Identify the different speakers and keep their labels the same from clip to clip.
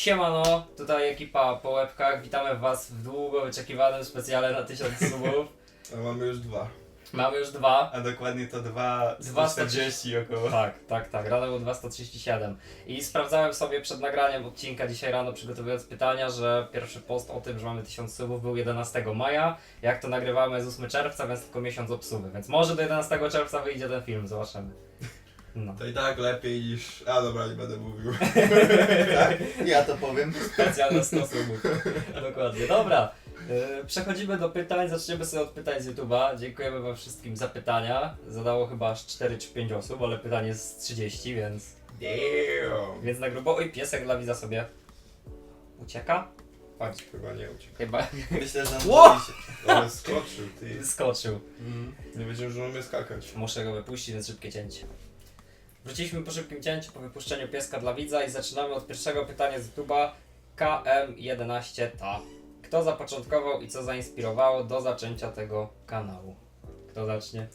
Speaker 1: Siemano, tutaj ekipa po łebkach. Witamy was w długo wyczekiwanym specjale na 1000 subów.
Speaker 2: A mamy już 2.
Speaker 1: Mamy już 2.
Speaker 3: A dokładnie to 240 około.
Speaker 1: Tak. Rano było 237. I sprawdzałem sobie przed nagraniem odcinka dzisiaj rano, przygotowując pytania, że pierwszy post o tym, że mamy 1000 subów był 11 maja. Jak to nagrywamy z 8 czerwca, więc tylko miesiąc obsuwy. Więc może do 11 czerwca wyjdzie ten film, zobaczymy. No.
Speaker 2: To i tak lepiej niż... A dobra, nie będę mówił.
Speaker 3: Tak, ja to powiem.
Speaker 1: Specjalne 100 subów. Dokładnie. Dobra. Przechodzimy do pytań. Zaczniemy sobie od pytań z YouTube'a. Dziękujemy wam wszystkim za pytania. Zadało chyba aż 4 czy 5 osób, ale pytanie jest z 30, więc...
Speaker 2: Damn.
Speaker 1: Więc na grubo. Oj, piesek dla widza sobie ucieka? Chodź.
Speaker 2: Chyba nie uciekł.
Speaker 1: Chyba
Speaker 3: Myślę, że
Speaker 1: Ło!
Speaker 2: Ale skoczył, ty.
Speaker 1: skoczył.
Speaker 2: Nie wiedziałem, że umie skakać.
Speaker 1: Muszę go wypuścić, więc szybkie cięcie. Wróciliśmy po szybkim cięciu, po wypuszczeniu pieska dla widza i zaczynamy od pierwszego pytania z YouTube'a. KM11 Kto zapoczątkował i co zainspirowało do zaczęcia tego kanału? Kto zacznie?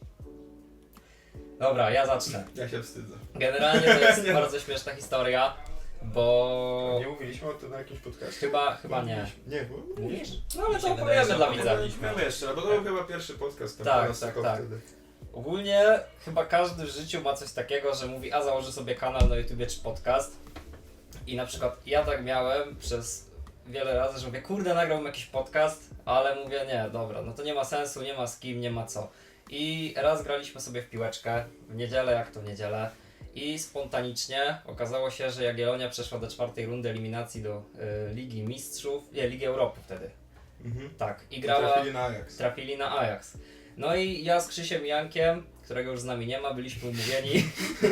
Speaker 1: Dobra, ja zacznę.
Speaker 2: Ja się wstydzę.
Speaker 1: Generalnie to jest bardzo śmieszna historia, bo...
Speaker 2: Nie mówiliśmy o tym na jakimś podcastie?
Speaker 1: Chyba nie.
Speaker 2: Nie, bo...
Speaker 1: Mówisz? No ale
Speaker 3: Mi
Speaker 1: to
Speaker 3: się wydaje,
Speaker 1: opowiemy
Speaker 3: że
Speaker 1: dla widza.
Speaker 2: Mówiliśmy jeszcze, bo to był chyba pierwszy podcast. Tam
Speaker 1: Tak,
Speaker 2: nas
Speaker 1: tak,
Speaker 2: tylko
Speaker 1: tak.
Speaker 2: Wtedy.
Speaker 1: Ogólnie chyba każdy w życiu ma coś takiego, że mówi, a założy sobie kanał na YouTubie czy podcast. I na przykład ja tak miałem przez wiele razy, że mówię, kurde, nagrałbym jakiś podcast, ale mówię, nie, dobra, no to nie ma sensu, nie ma z kim, nie ma co. I raz graliśmy sobie w piłeczkę, w niedzielę, jak to w niedzielę. I spontanicznie okazało się, że Jagiellonia przeszła do 4. rundy eliminacji do Ligi Mistrzów, nie, Ligi Europy wtedy. Tak, i grała...
Speaker 2: Trafili na Ajax.
Speaker 1: Trafili na Ajax. No i ja z Krzysiem Jankiem, którego już z nami nie ma, byliśmy umówieni,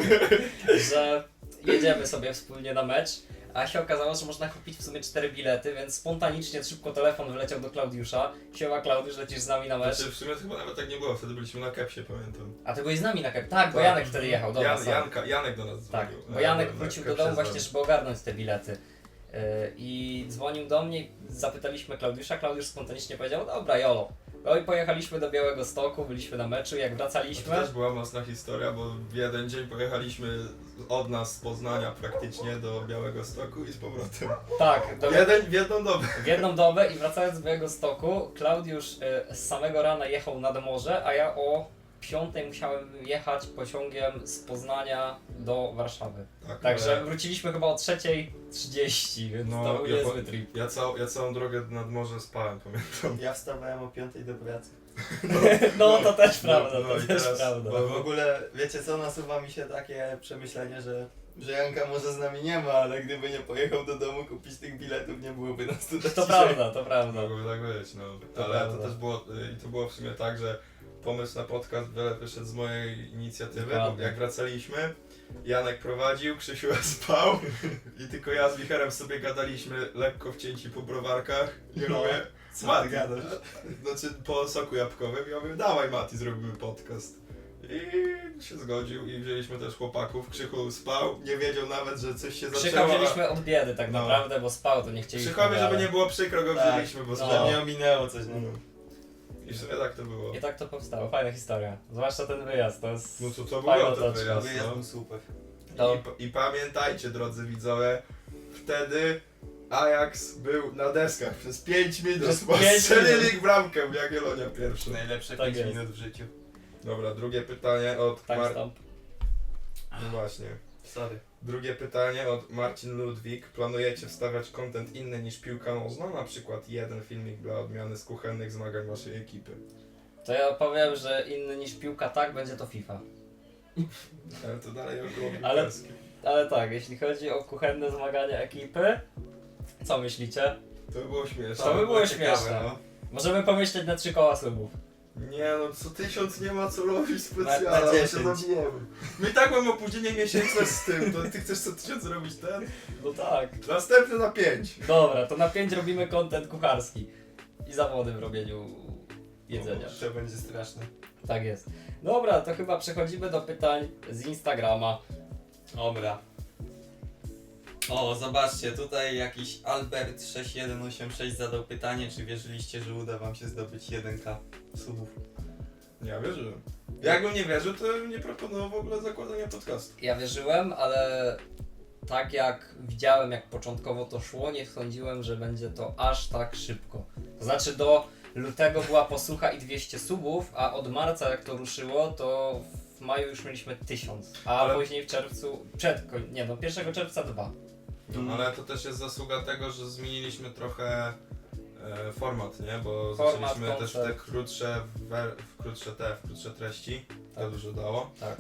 Speaker 1: że jedziemy sobie wspólnie na mecz, a się okazało, że można kupić w sumie 4 bilety, więc spontanicznie szybko telefon wyleciał do Klaudiusza. Siema Klaudiusz, lecisz z nami na mecz.
Speaker 2: Znaczy, w sumie to chyba nawet tak nie było, wtedy byliśmy na Kepsie, pamiętam.
Speaker 1: A ty byłeś z nami na kep. Tak, bo Janek wtedy jechał, dobra. sorry.
Speaker 2: Janek do nas
Speaker 1: Tak,
Speaker 2: dzwonił.
Speaker 1: bo Janek
Speaker 2: Na
Speaker 1: wrócił do
Speaker 2: Kepsie
Speaker 1: domu
Speaker 2: z
Speaker 1: właśnie,
Speaker 2: wami.
Speaker 1: żeby ogarnąć te bilety. I dzwonił do mnie, zapytaliśmy Klaudiusza, Klaudiusz spontanicznie powiedział, dobra jolo. No i pojechaliśmy do Białegostoku, byliśmy na meczu, jak
Speaker 2: To
Speaker 1: wracaliśmy...
Speaker 2: też była mocna historia, bo w jeden dzień pojechaliśmy od nas z Poznania praktycznie do Białegostoku i z powrotem.
Speaker 1: Tak,
Speaker 2: W jedną dobę.
Speaker 1: w jedną dobę i wracając z Białegostoku, Klaudiusz z samego rana jechał nad morze, a ja o 5 musiałem jechać pociągiem z Poznania do Warszawy.
Speaker 2: Tak,
Speaker 1: Także
Speaker 2: ale
Speaker 1: wróciliśmy chyba o 3:30, więc
Speaker 2: No,
Speaker 1: to był
Speaker 2: ja
Speaker 1: niezły trip.
Speaker 2: ja całą drogę nad morze spałem, pamiętam.
Speaker 3: Ja wstawałem o 5 do pracy.
Speaker 1: No to też prawda,
Speaker 2: no
Speaker 1: to
Speaker 2: i
Speaker 1: też
Speaker 2: teraz-
Speaker 1: prawda.
Speaker 2: bo-
Speaker 3: W ogóle, wiecie co, nasuwa mi się takie przemyślenie, że Janka może z nami nie ma, ale gdyby nie pojechał do domu kupić tych biletów, nie byłoby nas tutaj
Speaker 1: To
Speaker 3: dzisiaj.
Speaker 1: prawda, to prawda.
Speaker 2: Mogłoby tak być, no.
Speaker 1: To
Speaker 2: Ale
Speaker 1: prawda.
Speaker 2: to też było, i to było w sumie tak, że pomysł na podcast wiele wyszedł z mojej inicjatywy, bo
Speaker 1: Dokładnie.
Speaker 2: jak wracaliśmy, Janek prowadził, Krzysiu spał i tylko ja z Wicherem sobie gadaliśmy lekko wcięci po browarkach i ja
Speaker 3: No.
Speaker 2: mówię,
Speaker 3: Co ty
Speaker 2: Mati,
Speaker 3: gadasz?
Speaker 2: znaczy po soku jabłkowym, ja mówię, dawaj Mati, zrobimy podcast. I się zgodził i wzięliśmy też chłopaków, Krzychu spał, nie wiedział nawet, że coś się
Speaker 1: Krzycha
Speaker 2: zaczęło.
Speaker 1: wzięliśmy od biedy tak
Speaker 2: No.
Speaker 1: naprawdę, bo spał, to nie chcieliśmy.
Speaker 2: Krzychowi, żeby
Speaker 1: ale-
Speaker 2: nie było przykro, go
Speaker 3: Tak,
Speaker 2: wzięliśmy, bo
Speaker 1: no.
Speaker 2: spał.
Speaker 3: Że nie ominęło coś, no.
Speaker 2: I w sumie tak to było.
Speaker 1: I tak to powstało, fajna historia. Zwłaszcza ten wyjazd, to jest...
Speaker 2: No to
Speaker 1: Fajna
Speaker 2: było ten
Speaker 1: otoczka.
Speaker 2: wyjazd,
Speaker 3: Wyjazd
Speaker 2: no.
Speaker 3: był super.
Speaker 1: To-
Speaker 2: I pamiętajcie, drodzy widzowie, wtedy Ajax był na deskach przez 5 minut,
Speaker 1: Przez
Speaker 2: bo
Speaker 1: 5
Speaker 2: strzelili
Speaker 1: minut.
Speaker 2: ich bramkę w Jagiellonia pierwszy.
Speaker 3: Najlepsze
Speaker 1: Tak
Speaker 3: 5
Speaker 1: jest.
Speaker 3: minut w życiu.
Speaker 2: Dobra, drugie pytanie od
Speaker 1: Timestamp.
Speaker 2: No właśnie.
Speaker 3: Sorry.
Speaker 2: Drugie pytanie od Marcin Ludwik. Planujecie wstawiać content inny niż piłka nożna? Na przykład jeden filmik dla odmiany z kuchennych zmagań waszej ekipy.
Speaker 1: To ja powiem, że inny niż piłka tak, będzie to FIFA.
Speaker 2: Ale to dalej około
Speaker 1: Ale-
Speaker 2: piłkarskie.
Speaker 1: Ale tak, jeśli chodzi o kuchenne zmagania ekipy, co myślicie?
Speaker 2: To by było śmieszne.
Speaker 1: To by było
Speaker 3: ciekawe,
Speaker 1: śmieszne.
Speaker 3: no.
Speaker 1: Możemy pomyśleć na 3 koła subów.
Speaker 2: Nie no, co 1000 nie ma co robić specjalnie,
Speaker 3: Na
Speaker 2: my się
Speaker 3: 10.
Speaker 2: zabijemy. My i tak mamy opóźnienie miesięczne z tym, to ty chcesz co 1000 robić ten?
Speaker 1: No tak.
Speaker 2: Następny na 5.
Speaker 1: Dobra, to na 5 robimy content kucharski. I zawody w robieniu jedzenia.
Speaker 3: To będzie straszne.
Speaker 1: Tak jest. Dobra, to chyba przechodzimy do pytań z Instagrama.
Speaker 3: Dobra. O, zobaczcie, tutaj jakiś Albert6186 zadał pytanie, czy wierzyliście, że uda wam się zdobyć 1K subów?
Speaker 2: Ja wierzyłem. Jakbym nie wierzył, to bym nie proponował w ogóle zakładania podcastu.
Speaker 1: Ja wierzyłem, ale tak jak widziałem, jak początkowo to szło, nie sądziłem, że będzie to aż tak szybko. To znaczy do lutego była posłucha i 200 subów, a od marca jak to ruszyło, to w maju już mieliśmy 1000, a
Speaker 2: Ale-
Speaker 1: później w czerwcu, 1 czerwca 2.
Speaker 2: No, ale to też jest zasługa tego, że zmieniliśmy trochę format, nie? Bo
Speaker 1: Format,
Speaker 2: zaczęliśmy też w te
Speaker 1: koncept.
Speaker 2: krótsze treści, to
Speaker 1: Tak.
Speaker 2: dużo dało.
Speaker 1: Tak.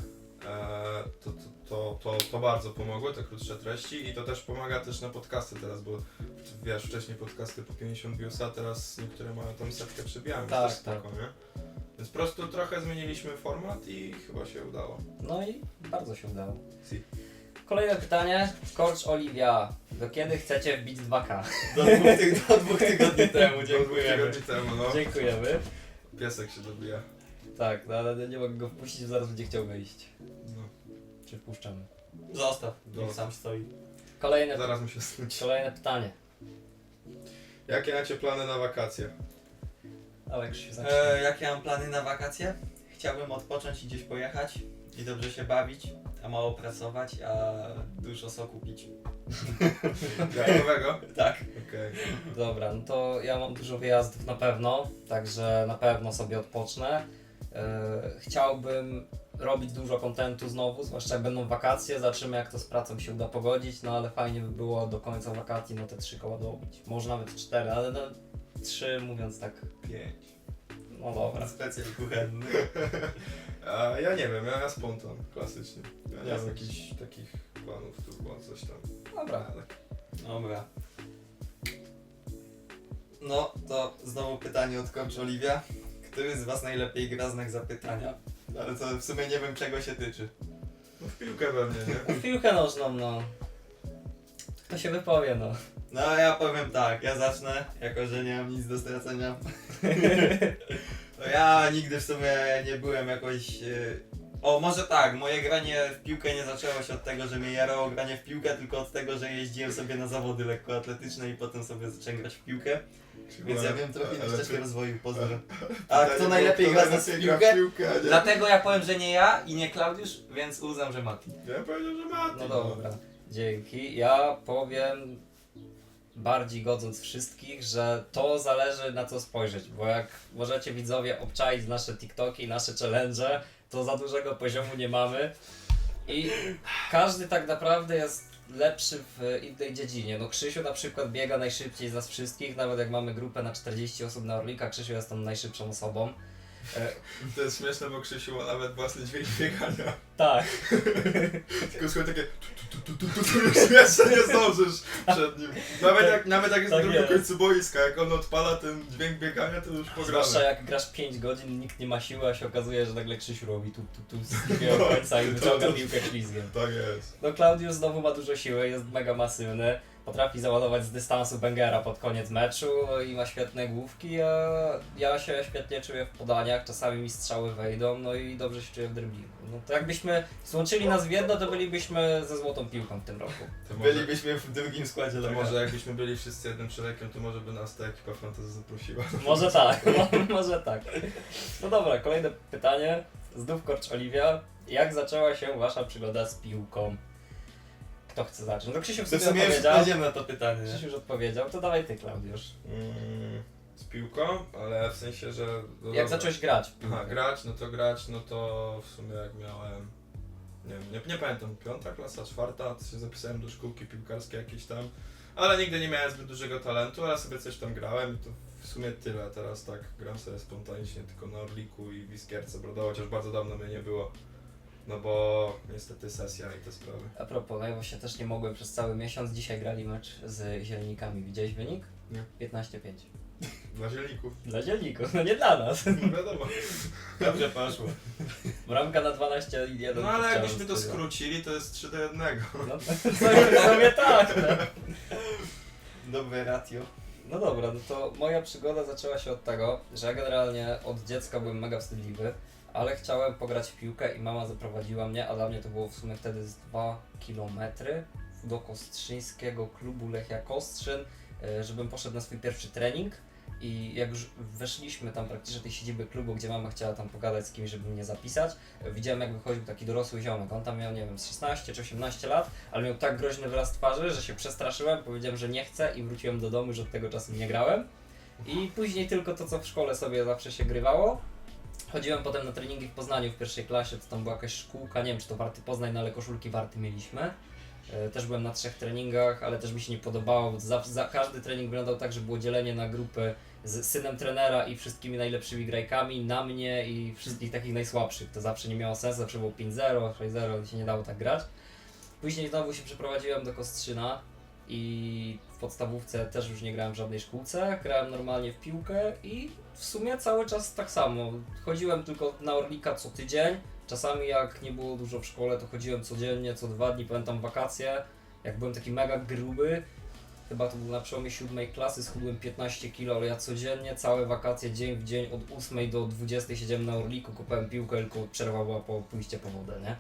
Speaker 2: To bardzo pomogło, te krótsze treści i to też pomaga też na podcasty teraz, bo wiesz, wcześniej podcasty po 50 viewsa, teraz niektóre mają tam setkę przebijają,
Speaker 1: Tak,
Speaker 2: też
Speaker 1: tak.
Speaker 2: spoko, nie? Więc po prostu trochę zmieniliśmy format i chyba się udało.
Speaker 1: No i bardzo się udało.
Speaker 2: Si.
Speaker 1: Kolejne pytanie. Scorch Olivia. Do kiedy chcecie wbić 2K?
Speaker 3: Do dwóch tygodni temu,
Speaker 2: Do
Speaker 3: dziękujemy.
Speaker 2: 2 tygodni temu, no.
Speaker 1: Dziękujemy.
Speaker 2: Piesek się dobija.
Speaker 1: Tak, no ale nie mogę go wpuścić, bo zaraz będzie chciał wyjść.
Speaker 2: No.
Speaker 1: Czy wpuszczamy?
Speaker 3: Zostaw,
Speaker 2: Dobra.
Speaker 3: niech sam stoi.
Speaker 2: Zaraz mi się snuci.
Speaker 1: Kolejne pytanie.
Speaker 2: Jakie macie plany na wakacje?
Speaker 1: Ale Krzysiu zacznie.
Speaker 3: Jakie mam plany na wakacje? Chciałbym odpocząć i gdzieś pojechać i dobrze się bawić, a mało pracować, a dużo soku pić.
Speaker 2: Jajkowego?
Speaker 3: Tak.
Speaker 2: Okej.
Speaker 1: Dobra, no to ja mam dużo wyjazdów na pewno, także na pewno sobie odpocznę. Chciałbym robić dużo kontentu znowu, zwłaszcza jak będą wakacje, zobaczymy jak to z pracą się uda pogodzić, no ale fajnie by było do końca wakacji no te 3 koła dobić, może nawet 4, ale no 3 mówiąc tak,
Speaker 2: 5.
Speaker 1: no dobra.
Speaker 3: Specjal kuchenny.
Speaker 2: A ja nie wiem, ja spontan, klasycznie. Ja nie mam
Speaker 1: Klasycznie.
Speaker 2: jakichś takich planów turbo, coś tam.
Speaker 1: Dobra.
Speaker 2: Ale
Speaker 3: Dobra. No to znowu pytanie od Coach Olivia. Który z was najlepiej gra znak zapytania? Ale to w sumie nie wiem czego się tyczy.
Speaker 2: no w piłkę pewnie, nie?
Speaker 1: W piłkę nożną, no. Kto się wypowie, no.
Speaker 3: No ja powiem tak, ja zacznę, jako że nie mam nic do stracenia. To ja nigdy w sumie nie byłem jakoś... O, może tak, moje granie w piłkę nie zaczęło się od tego, że mnie jarało granie w piłkę, tylko od tego, że jeździłem sobie na zawody lekkoatletyczne i potem sobie zacząłem grać w piłkę. Więc ja wiem trochę na ścieżkę rozwoju, pozdro. A kto najlepiej gra w piłkę?
Speaker 2: piłkę, nie?
Speaker 3: Dlatego ja powiem, że nie ja i nie Klaudiusz, więc uznam, że Mati.
Speaker 2: Ja powiedział, że Mati.
Speaker 1: No dobra, dzięki. Ja powiem, bardziej godząc wszystkich, że to zależy na co spojrzeć, bo jak możecie widzowie obczaić nasze TikToki, nasze challenge, to za dużego poziomu nie mamy i każdy tak naprawdę jest lepszy w innej dziedzinie. No Krzysiu na przykład biega najszybciej z nas wszystkich, nawet jak mamy grupę na 40 osób na Orlika, Krzysiu jest tam najszybszą osobą.
Speaker 2: To jest śmieszne, bo Krzysiu ma nawet własny dźwięk biegania.
Speaker 1: Tak.
Speaker 2: Tylko słuchaj takie już jeszcze nie zdążysz przed nim. Nawet jak jest
Speaker 1: Tak
Speaker 2: na drugim
Speaker 1: jest.
Speaker 2: końcu boiska, jak on odpala ten dźwięk biegania, to już
Speaker 1: Zwłaszcza
Speaker 2: pogramy.
Speaker 1: jak grasz 5 godzin, nikt nie ma siły, a się okazuje, że nagle Krzysiu robi tu z drugiego końca i wyciąga piłkę ślizgiem.
Speaker 2: Tak jest.
Speaker 1: No Klaudiusz znowu ma dużo siły, jest mega masywny, potrafi załadować z dystansu bangera pod koniec meczu no i ma świetne główki, a ja się świetnie czuję w podaniach, czasami mi strzały wejdą, no i dobrze się czuję w driblingu. No to jakbyśmy złączyli nas w jedno, to bylibyśmy ze złotą piłką w tym roku.
Speaker 2: To może,
Speaker 3: Bylibyśmy w drugim składzie
Speaker 2: to
Speaker 3: do
Speaker 2: może jakbyśmy byli wszyscy jednym człowiekiem, to może by nas ta ekipa fantasy zaprosiła.
Speaker 1: Może tak, może tak. No dobra, kolejne pytanie. Znów Coach Olivia. Jak zaczęła się wasza przygoda z piłką? Kto chce zacząć? No Krzysiu w
Speaker 3: W
Speaker 1: sumie
Speaker 3: sumie już
Speaker 1: odpowiedział.
Speaker 3: odpowiedziałem na to pytanie. Nie?
Speaker 1: Krzysiu już odpowiedział, to dawaj ty, Klaudiusz.
Speaker 2: Z piłką, ale w sensie, że... no
Speaker 1: Jak
Speaker 2: dobra.
Speaker 1: zacząłeś grać w piłkę?
Speaker 2: Aha, grać, no to w sumie jak miałem... Nie wiem, nie pamiętam, 5. klasa, 4, to się zapisałem do szkółki piłkarskiej jakiejś tam. Ale nigdy nie miałem zbyt dużego talentu, ale sobie coś tam grałem i to w sumie tyle. Teraz tak gram sobie spontanicznie tylko na Orliku i w Iskierce Brodowa, chociaż bardzo dawno mnie nie było. No bo niestety sesja i te sprawy.
Speaker 1: A propos, no ja właśnie też nie mogłem przez cały miesiąc. Dzisiaj grali mecz z Zielnikami. Widziałeś wynik?
Speaker 2: Nie.
Speaker 1: 15-5.
Speaker 2: Dla zielników,
Speaker 1: Dla Zielników, no nie dla nas.
Speaker 2: no wiadomo.
Speaker 3: Dobrze poszło.
Speaker 1: Bramka na 12-1.
Speaker 2: No ale jakbyśmy to skrócili, to jest 3-1.
Speaker 1: No to sobie tak. No.
Speaker 3: Dobre ratio.
Speaker 1: No dobra, no to moja przygoda zaczęła się od tego, że ja generalnie od dziecka byłem mega wstydliwy, ale chciałem pograć w piłkę i mama zaprowadziła mnie, a dla mnie to było w sumie wtedy z 2 km do kostrzyńskiego klubu Lechia Kostrzyn, żebym poszedł na swój pierwszy trening. I jak już weszliśmy tam praktycznie do tej siedziby klubu, gdzie mama chciała tam pogadać z kimś, żeby mnie zapisać, widziałem jak wychodził taki dorosły ziomek. On tam miał, nie wiem, z 16 czy 18 lat, ale miał tak groźny wyraz twarzy, że się przestraszyłem, powiedziałem, że nie chcę i wróciłem do domu, że od tego czasu nie grałem. I później tylko to, co w szkole sobie zawsze się grywało. Chodziłem potem na treningi w Poznaniu w pierwszej klasie, to tam była jakaś szkółka, nie wiem czy to Warty Poznań, no ale koszulki Warty mieliśmy. Też byłem na 3 treningach, ale też mi się nie podobało, bo każdy trening wyglądał tak, że było dzielenie na grupy z synem trenera i wszystkimi najlepszymi grajkami, na mnie i wszystkich takich najsłabszych. To zawsze nie miało sensu, zawsze było 5-0, 6-0, się nie dało tak grać. Później znowu się przeprowadziłem do Kostrzyna i w podstawówce też już nie grałem w żadnej szkółce, grałem normalnie w piłkę i w sumie cały czas tak samo. Chodziłem tylko na Orlika co tydzień, czasami jak nie było dużo w szkole, to chodziłem codziennie, co 2 dni, pamiętam wakacje, jak byłem taki mega gruby, chyba to był na przełomie 7 klasy, schudłem 15 kg, ale ja codziennie, całe wakacje, dzień w dzień, od 8 do 20 siedziałem na Orliku, kupałem piłkę, tylko przerwa była po pójście po wodę, nie?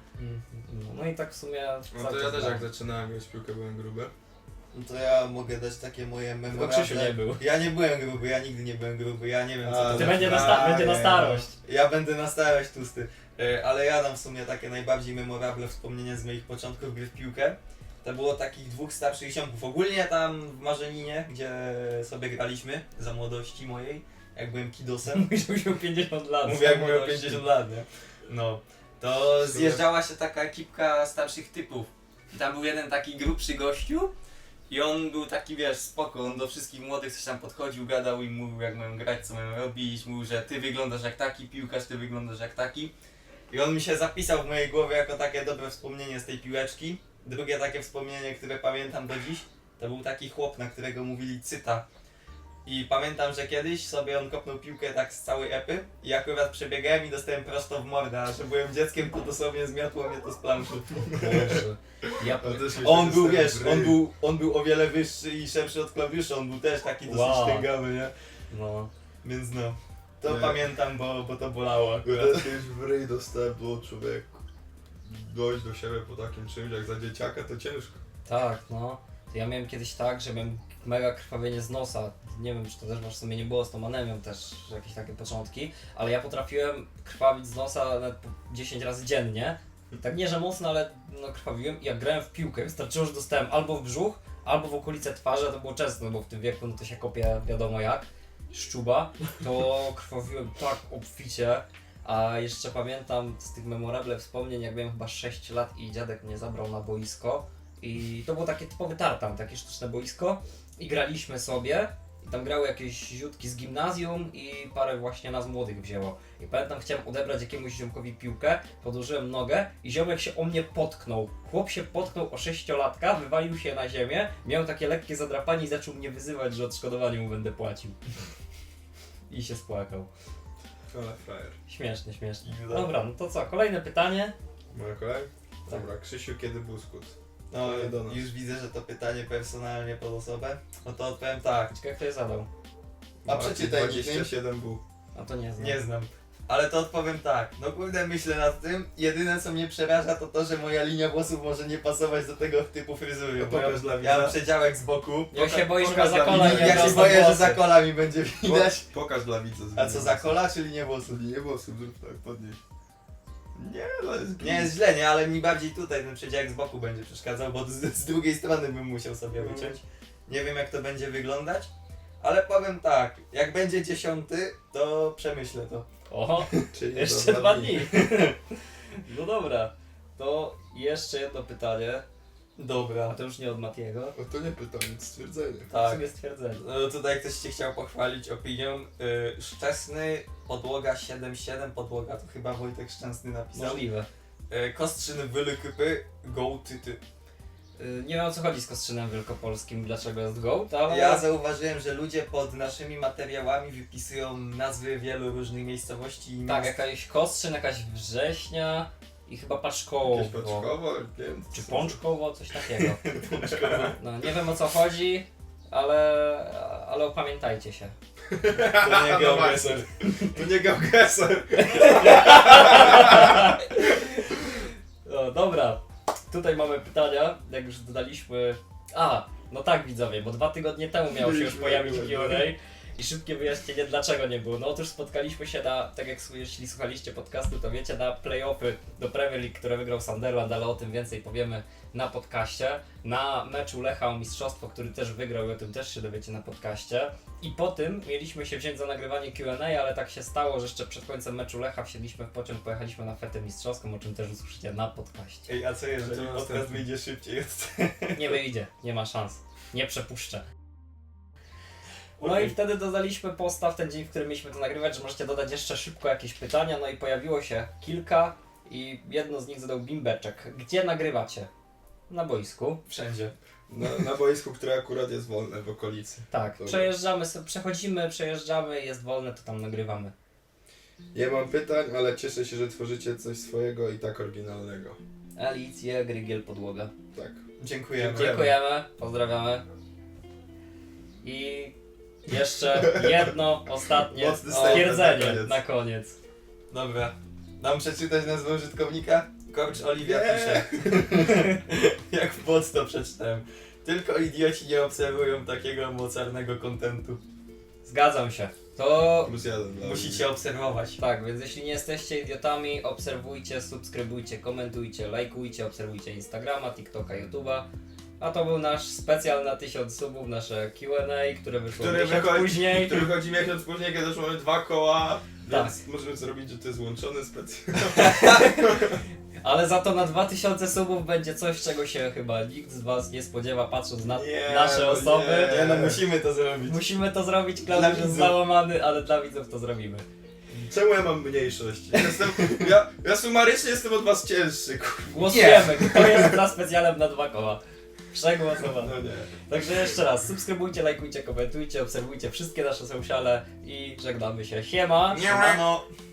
Speaker 1: No i tak w sumie
Speaker 2: No
Speaker 1: cały
Speaker 2: to ja
Speaker 1: czas
Speaker 2: też
Speaker 1: grałem.
Speaker 2: jak zaczynałem grać w piłkę byłem gruby.
Speaker 3: No to ja mogę dać takie moje
Speaker 1: Tylko
Speaker 3: memorable.
Speaker 1: Krzysiu nie był.
Speaker 3: Ja nie byłem gruby, ja nigdy nie byłem gruby, ja nie wiem co to
Speaker 1: Ty
Speaker 3: za-
Speaker 1: będzie będzie na starość.
Speaker 3: Ja będę na starość tłusty. Ale ja dam w sumie takie najbardziej memorable wspomnienia z moich początków gry w piłkę. To było takich 2 starszych ziomków. Ogólnie tam w Marzeninie, gdzie sobie graliśmy za młodości mojej, jak byłem kidosem.
Speaker 1: Mówisz, że miał 50 lat.
Speaker 3: Mówię, jak miał
Speaker 1: młodości.
Speaker 3: 50 lat, nie? No. To zjeżdżała się taka ekipka starszych typów. I tam był jeden taki grubszy gościu i on był taki, wiesz, spoko, on do wszystkich młodych coś tam podchodził, gadał i mówił jak mają grać, co mają robić, mówił, że ty wyglądasz jak taki piłkarz, ty wyglądasz jak taki. I on mi się zapisał w mojej głowie jako takie dobre wspomnienie z tej piłeczki. Drugie takie wspomnienie, które pamiętam do dziś, to był taki chłop, na którego mówili Cyta. I pamiętam, że kiedyś sobie on kopnął piłkę tak z całej epy i akurat przebiegałem i dostałem prosto w mordę, a że byłem dzieckiem, to dosłownie zmiotło mnie to z planszy.
Speaker 1: Boże. Ja
Speaker 2: Ale też mi
Speaker 3: On
Speaker 2: się
Speaker 3: był,
Speaker 2: dostałem
Speaker 3: wiesz,
Speaker 2: w ryj.
Speaker 3: on był o wiele wyższy i szerszy od klawiszy, on był też taki dosyć
Speaker 1: Wow.
Speaker 3: tęgawy, nie?
Speaker 1: No.
Speaker 3: Więc no, to
Speaker 2: Nie.
Speaker 3: pamiętam, bo to bolało
Speaker 2: Ja
Speaker 3: akurat.
Speaker 2: też kiedyś w ryj dostałem, było człowieku. Dojść do siebie po takim czymś jak za dzieciaka to ciężko.
Speaker 1: Tak, no. To ja miałem kiedyś tak, że miałem mega krwawienie z nosa. Nie wiem, czy to też masz w sumie nie było z tą anemią też jakieś takie początki, ale ja potrafiłem krwawić z nosa nawet po 10 razy dziennie. Tak nie, że mocno, ale no krwawiłem i jak grałem w piłkę, wystarczyło, że dostałem albo w brzuch, albo w okolice twarzy, a to było często, no bo w tym wieku no to się kopie wiadomo jak, szczuba, to krwawiłem tak obficie. A jeszcze pamiętam z tych memorable wspomnień, jak miałem chyba 6 lat i dziadek mnie zabrał na boisko i to było takie typowy tartan, takie sztuczne boisko i graliśmy sobie i tam grały jakieś ziutki z gimnazjum i parę właśnie nas młodych wzięło. I pamiętam, chciałem odebrać jakiemuś ziomkowi piłkę, podłożyłem nogę i ziomek się o mnie potknął. Chłop się potknął o 6-latka, wywalił się na ziemię, miał takie lekkie zadrapanie i zaczął mnie wyzywać, że odszkodowanie mu będę płacił. I się spłakał.
Speaker 2: Ale frajer.
Speaker 1: Śmiesznie, śmiesznie.
Speaker 3: Dobra.
Speaker 1: Dobra, no to co, kolejne pytanie.
Speaker 2: Moja kolej?
Speaker 1: Tak.
Speaker 2: Dobra, Krzysiu, kiedy Buskut?
Speaker 3: No,
Speaker 2: To nie do nas.
Speaker 3: już widzę, że to pytanie personalnie pod osobę. No to odpowiem tak,
Speaker 1: Ciekawe, kto je zadał.
Speaker 3: A przeczytaj mi.
Speaker 2: 27W.
Speaker 1: A to nie znam.
Speaker 3: nie znam. Ale to odpowiem tak, no kurde, myślę nad tym. Jedyne co mnie przeraża to to, że moja linia włosów może nie pasować do tego typu fryzury.
Speaker 2: To
Speaker 3: Bo ja,
Speaker 2: pokaż dla
Speaker 3: ja mam
Speaker 2: widza.
Speaker 3: przedziałek z boku.
Speaker 1: Jak się boisz
Speaker 2: pokaż
Speaker 1: za
Speaker 2: dla
Speaker 1: kola,
Speaker 2: widza.
Speaker 1: nie
Speaker 3: Ja się
Speaker 1: wrosną
Speaker 3: boję, że
Speaker 1: włosy.
Speaker 3: za kola mi będzie widać.
Speaker 2: Pokaż dla widza.
Speaker 3: A co, za kola czy linię włosów?
Speaker 2: Nie włosów, zrób tak, podnieś. Nie, no jest
Speaker 3: Nie jest źle, nie, ale mi bardziej tutaj ten przedziałek z boku będzie przeszkadzał, bo z drugiej strony bym musiał sobie wyciąć. Nie wiem jak to będzie wyglądać, ale powiem tak, jak będzie 10, to przemyślę to.
Speaker 1: Oho,
Speaker 2: Czyli
Speaker 1: jeszcze
Speaker 2: za
Speaker 1: 2 dni. No dobra, to jeszcze jedno pytanie. A
Speaker 3: Dobra.
Speaker 1: to już nie od Matiego.
Speaker 2: No to nie pytanie, to stwierdzenie.
Speaker 1: W
Speaker 3: Tak.
Speaker 1: sumie stwierdzenie.
Speaker 3: No tutaj ktoś cię chciał pochwalić opinią. Szczesny, podłoga 7-7, podłoga to chyba Wojtek Szczęsny napisał.
Speaker 1: Możliwe.
Speaker 3: Kostrzyn Wylykypy, go tyty.
Speaker 1: Nie wiem o co chodzi z Kostrzynem Wielkopolskim, dlaczego jest GOAT, ale...
Speaker 3: Ja zauważyłem, że ludzie pod naszymi materiałami wypisują nazwy wielu różnych miejscowości i
Speaker 1: Tak,
Speaker 3: miast.
Speaker 1: jakaś Kostrzyn, jakaś Września i chyba Paczkowo.
Speaker 2: Jakieś Paczkowo, nie wiem.
Speaker 1: Czy Pączkowo, coś takiego. No nie wiem o co chodzi, ale opamiętajcie się.
Speaker 3: To nie
Speaker 2: No
Speaker 3: geogeser.
Speaker 2: To nie geogeser.
Speaker 1: No dobra, tutaj mamy pytania, jak już dodaliśmy... A, no tak widzowie, bo 2 tygodnie temu miało się już
Speaker 2: Byliśmy,
Speaker 1: pojawić
Speaker 2: byłem.
Speaker 1: Q&A I szybkie wyjaśnienie, dlaczego nie było. No otóż spotkaliśmy się na, tak jak jeśli słuchaliście podcastu, to wiecie, na play-offy do Premier League, które wygrał Sunderland, ale o tym więcej powiemy na podcaście. Na meczu Lecha o mistrzostwo, który też wygrał i o tym też się dowiecie na podcaście. I po tym mieliśmy się wziąć za nagrywanie Q&A, ale tak się stało, że jeszcze przed końcem meczu Lecha wsiedliśmy w pociąg, pojechaliśmy na fetę mistrzowską, o czym też usłyszycie na podcaście.
Speaker 3: Ej, a co jeżeli
Speaker 2: To
Speaker 3: podcast
Speaker 2: następny.
Speaker 3: wyjdzie szybciej od
Speaker 1: Nie wyjdzie, nie ma szans. Nie przepuszczę. No
Speaker 3: Okej.
Speaker 1: i wtedy dodaliśmy posta w ten dzień, w którym mieliśmy to nagrywać, że możecie dodać jeszcze szybko jakieś pytania, no i pojawiło się kilka i jedno z nich zadał Bimbeczek. Gdzie nagrywacie? Na boisku.
Speaker 3: Wszędzie.
Speaker 2: Na boisku, które akurat jest wolne w okolicy.
Speaker 1: Tak,
Speaker 2: Dobra.
Speaker 1: przejeżdżamy, przejeżdżamy, jest wolne, to tam nagrywamy.
Speaker 2: Nie mam pytań, ale cieszę się, że tworzycie coś swojego i tak oryginalnego.
Speaker 1: Alicję, Grygiel, Podłoga.
Speaker 2: Tak.
Speaker 3: Dziękujemy.
Speaker 1: Dziękujemy, pozdrawiamy. I jeszcze jedno ostatnie
Speaker 2: Mocny statement
Speaker 1: stwierdzenie
Speaker 2: na koniec.
Speaker 1: na koniec.
Speaker 3: Dobra. Mam przeczytać nazwę użytkownika? Coach Oliwia
Speaker 2: Nie.
Speaker 3: pisze. Jak w post to przeczytałem. Tylko idioci nie obserwują takiego mocarnego kontentu.
Speaker 1: Zgadzam się. To
Speaker 2: +1 dla
Speaker 3: Musicie obserwować.
Speaker 1: tak, więc jeśli nie jesteście idiotami, obserwujcie, subskrybujcie, komentujcie, lajkujcie, obserwujcie Instagrama, TikToka, YouTube'a. A to był nasz specjal na 1000 subów, nasze Q&A, które wyszło
Speaker 2: Który
Speaker 1: miesiąc
Speaker 2: wychodzi,
Speaker 1: później.
Speaker 2: który wychodzi miesiąc później, kiedy już mamy 2 koła,
Speaker 1: Tak.
Speaker 2: więc możemy zrobić, że to jest łączony specjal.
Speaker 1: Ale za to na 2000 subów będzie coś, czego się chyba nikt z was nie spodziewa, patrząc na
Speaker 2: Nie,
Speaker 1: nasze
Speaker 2: no
Speaker 1: osoby.
Speaker 2: nie.
Speaker 3: Nie no, musimy to zrobić.
Speaker 1: Musimy to zrobić,
Speaker 3: Dla
Speaker 1: Klaudiusz jest
Speaker 3: widzów.
Speaker 1: załamany, ale dla widzów to zrobimy.
Speaker 2: Czemu ja mam mniejszość? Ja sumarycznie jestem od was cięższy, kurwa.
Speaker 1: Głosujemy, kto jest za specjalem na 2 koła. Przegłosowano.
Speaker 2: No nie.
Speaker 1: Także jeszcze raz, subskrybujcie, lajkujcie, komentujcie, obserwujcie wszystkie nasze sociale i żegnamy się. Siema!
Speaker 3: Siemano.